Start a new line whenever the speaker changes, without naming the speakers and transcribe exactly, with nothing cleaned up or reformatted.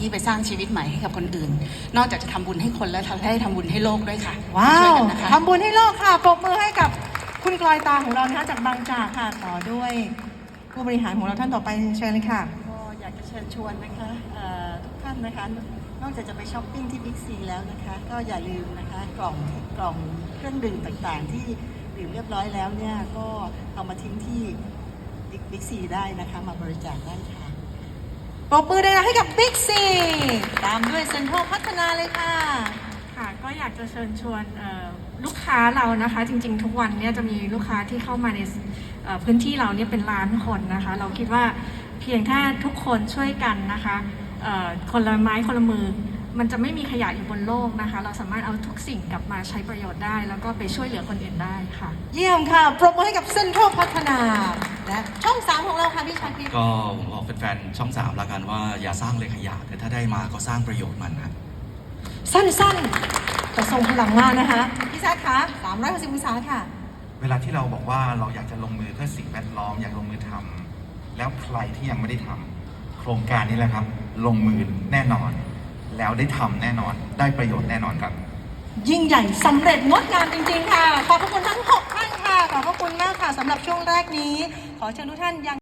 ที่ไปสร้างชีวิตใหม่ให้กับคนอื่นนอกจากจะทำบุญให้คนแล้วทำให้ทำบุญให้โลกด้วยค่ะ
ว้าว
นะคะ
ทำบุญให้โลกค่ะปรบมือให้กับคุณกลอยตาของเรานะคะจากบางจากค่ะต่อด้วยผู้บริหารของเราท่านต่อไปเชิญเลยค่ะ
ก็อยากจะเชิญชวนนะคะทุกท่านนะคะนอกจากจะไปช้อปปิ้งที่บิ๊กซีแล้วนะคะก็อย่าลืมนะคะกล่องกล่องเครื่องดื่มต่างๆที่ดื่มเรียบร้อยแล้วเนี่ยก็เอามาทิ้งที่บิ๊กซีได้นะคะมาบริจาคได้ค่ะ
ปรบมือเลยนะให้กับบิ๊กซีตามด้วยเซ็นทรัลพัฒนาเลยค่ะ
ค่ะก็อยากจะเชิญชวนลูกค้าเรานะคะจริงๆทุกวันเนี่ยจะมีลูกค้าที่เข้ามาในพื้นที่เราเนี่ยเป็นล้านคนนะคะเราคิดว่าเพียงแค่ทุกคนช่วยกันนะคะคนละไม้คนละมือมันจะไม่มีขยะอยู่บนโลกนะคะเราสามารถเอาทุกสิ่งกลับมาใช้ประโยชน์ได้แล้วก็ไปช่วยเหลือคนอื่นได้ค่ะ
เยี่ยมค่ะปรบมือให้กับเซ็นทรัลพัฒนาและช่องสามของเราค่ะพี่ชาคิด
ก็ผมบอกแฟนๆช่องสามละกันว่าอย่าสร้างเลยขยะแต่ถ้าได้มาก็สร้างประโยชน์มันนะ
สั้นๆแต่ทรงพลังมากนะคะพี่ชาคะสามร้อยหกสิบองศาค่ะ
เวลาที่เราบอกว่าเราอยากจะลงมือเพื่อสิ่งแวดล้อมอยากลงมือทำแล้วใครที่ยังไม่ได้ทำโครงการนี้แหละครับลงมือแน่นอนแล้วได้ทำแน่นอนได้ประโยชน์แน่นอนครับ
ยิ่งใหญ่สำเร็จงดงามจริงๆค่ะขอบพระคุณทั้งหกท่านค่ะขอบพระคุณมากค่ะสำหรับช่วงแรกนี้ขอเชิญทุกท่านยัง